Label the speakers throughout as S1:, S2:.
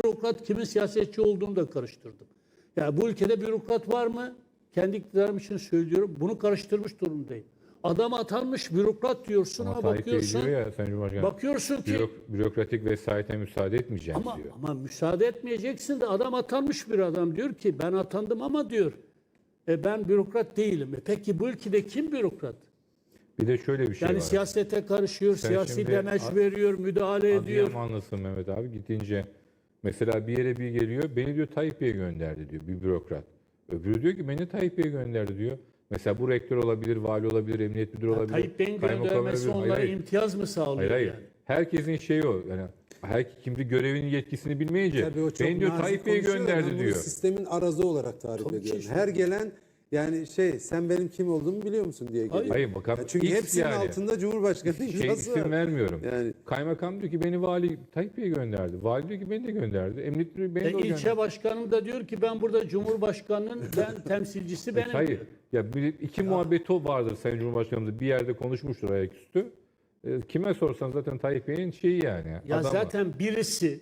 S1: bürokrat, kimin siyasetçi olduğunu da karıştırdım. Yani bu ülkede bürokrat var mı? Kendi iktidarım için söylüyorum. Bunu karıştırmış durumdayım. Adam atanmış bürokrat diyorsun ama
S2: Tayyip Bey
S1: bakıyorsun,
S2: diyor ya Sayın Cumhurbaşkanı,
S1: bakıyorsun ki
S2: bürokratik vesayete müsaade etmeyeceğim diyor.
S1: ama müsaade etmeyeceksin de adam atanmış bir adam diyor ki ben atandım ama diyor ben bürokrat değilim. Peki bu ülkede kim bürokrat?
S2: Bir de şöyle bir şey
S1: Yani
S2: var.
S1: siyasete karışıyor, siyasi
S2: şimdi
S1: demeç veriyor, müdahale ediyor.
S2: Adıyamanlısın Mehmet abi, gidince mesela bir yere bir geliyor, beni diyor Tayyip Bey gönderdi diyor bir bürokrat. Öbürü diyor ki beni Tayyip Bey gönderdi diyor. Mesela bu rektör olabilir, vali olabilir, emniyet müdürü olabilir.
S1: Tayyip Bey'in
S2: kaymakam
S1: göndermesi
S2: olabilir.
S1: onlara
S2: Hayır,
S1: imtiyaz mı sağlıyor
S2: hayır.
S1: yani?
S2: Herkesin şeyi o. Yani kimdi görevinin yetkisini bilmeyince
S3: Tabii o çok
S2: beni diyor
S3: nazik
S2: Tayyip Bey
S3: konuşuyor da ben
S2: gönderdi
S3: bunu
S2: diyor.
S3: sistemin arazı olarak tarif
S1: Tabii ki
S3: ediyorum.
S1: işte.
S3: Her gelen yani sen benim kim olduğumu biliyor musun diye geliyor.
S2: Hayır, bakalım.
S3: Çünkü
S2: X
S3: hepsinin
S2: yani.
S3: altında Cumhurbaşkanı imzası
S2: İsim
S3: var.
S2: vermiyorum.
S3: Yani
S2: Kaymakam diyor ki beni vali Tayyip Bey gönderdi. Vali diyor ki beni de gönderdi. Emniyet müdürü beni de o gönderdi.
S1: İlçe başkanım da diyor ki ben burada Cumhurbaşkanı'nın temsilcisi benim
S2: Hayır.
S1: diyor.
S2: Ya iki muhabbeti vardır Sayın Cumhurbaşkanımız, bir yerde konuşmuştur ayaküstü. Kime sorsan zaten Tayyip Bey'in şeyi yani.
S1: Ya
S2: adamı.
S1: zaten birisi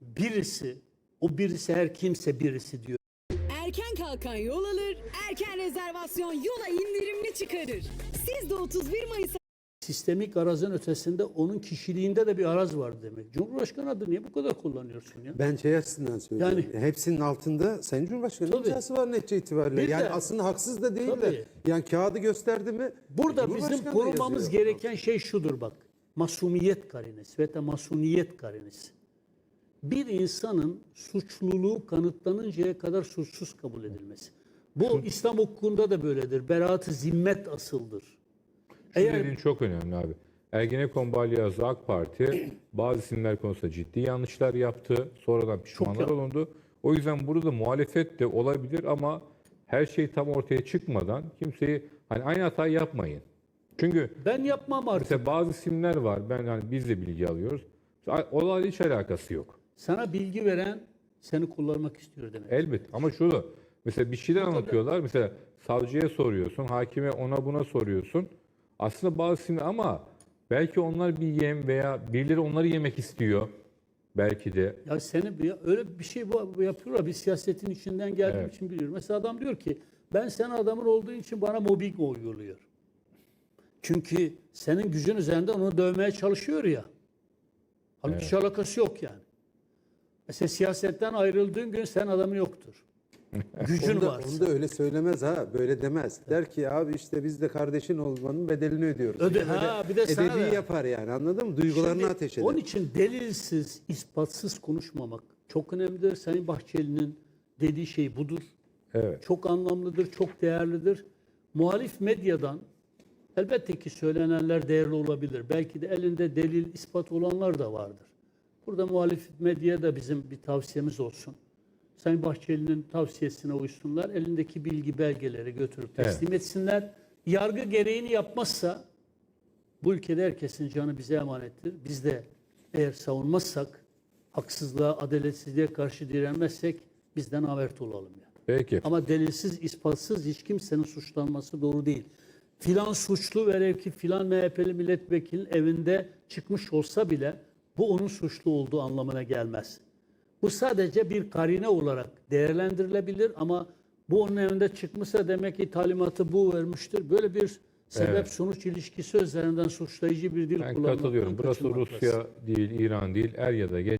S1: o birisi her kimse birisi diyor.
S4: Erken kalkan yol alır, erken rezervasyon yola indirimli çıkarır. Siz de 31 Mayıs
S1: Sistemik arazın ötesinde onun kişiliğinde de bir araz var demek. Cumhurbaşkanı adı niye bu kadar kullanıyorsun ya?
S3: ben açısından söylüyorum. Hepsinin altında Sayın Cumhurbaşkanı
S1: Tabii.
S3: imzası var netice itibariyle.
S1: Bir
S3: Yani
S1: de-
S3: aslında haksız da değil
S1: Tabii.
S3: de. Yani kağıdı gösterdi mi?
S1: Burada bizim
S3: Cumhurbaşkanı da
S1: korumamız
S3: yazıyor.
S1: gereken şey şudur bak. Masumiyet karinesi ve de masuniyet karinesi. Bir insanın suçluluğu kanıtlanıncaya kadar suçsuz kabul edilmesi. Bu İslam hukukunda da böyledir. Beraat-ı zimmet asıldır.
S2: Şu
S1: Eğer
S2: dediğin çok önemli abi. Ergenekon balyazı AK Parti bazı isimler konusunda ciddi yanlışlar yaptı. Sonradan pişmanlar
S1: yaptı.
S2: olundu. O yüzden burada muhalefet de olabilir ama her şey tam ortaya çıkmadan kimseyi aynı hatayı yapmayın. Çünkü
S1: ben yapmam artık.
S2: mesela bazı isimler var. Biz de bilgi alıyoruz. Olayla hiç alakası yok.
S1: Sana bilgi veren seni kullanmak istiyor demek.
S2: Elbet ama şurada mesela bir şeyler anlatıyorlar. Mesela savcıya soruyorsun, hakime ona buna soruyorsun. Aslında bazı isimler ama belki onlar bir yem veya birileri onları yemek istiyor. Belki de.
S1: Ya öyle bir şey bu yapıyorlar. Bir siyasetin içinden geldiğim için biliyorum. Mesela adam diyor ki ben senin adamın olduğu için bana mobbing uyguluyor. Çünkü senin gücün üzerinde onu dövmeye çalışıyor ya. Halbuki hiç alakası yok yani. Mesela siyasetten ayrıldığın gün sen adamın yoktur. Gücün
S3: Onu
S1: varsa.
S3: da öyle söylemez ha. Böyle demez. Der ki abi işte biz de kardeşin olmanın bedelini ödüyoruz.
S1: Bir de sana
S3: edebi
S1: da.
S3: yapar yani, anladın mı? Duygularını
S1: Şimdi
S3: ateş eder.
S1: onun için delilsiz, ispatsız konuşmamak çok önemlidir. Sayın Bahçeli'nin dediği şey budur.
S2: Evet.
S1: Çok anlamlıdır, çok değerlidir. Muhalif medyadan elbette ki söylenenler değerli olabilir. Belki de elinde delil, ispat olanlar da vardır. Burada muhalif medyaya da bizim bir tavsiyemiz olsun. Sayın Bahçeli'nin tavsiyesine uysunlar. Elindeki bilgi belgeleri götürüp teslim etsinler. Yargı gereğini yapmazsa bu ülkede herkesin canı bize emanettir. Biz de eğer savunmazsak, haksızlığa, adaletsizliğe karşı direnmezsek bizden avert olalım yani.
S2: Peki.
S1: Ama delilsiz, ispatsız hiç kimsenin suçlanması doğru değil. Filan suçlu velev ki filan MHP'li milletvekilinin evinde çıkmış olsa bile bu onun suçlu olduğu anlamına gelmez. Bu sadece bir karine olarak değerlendirilebilir ama bu onun evinde çıkmışsa demek ki talimatı bu vermiştir. Böyle bir sebep-sonuç ilişkisi üzerinden suçlayıcı bir dil
S2: Ben
S1: kullanmaktan
S2: katılıyorum. Burası
S1: kaçınmak lazım.
S2: Rusya değil, İran değil. Er ya da geç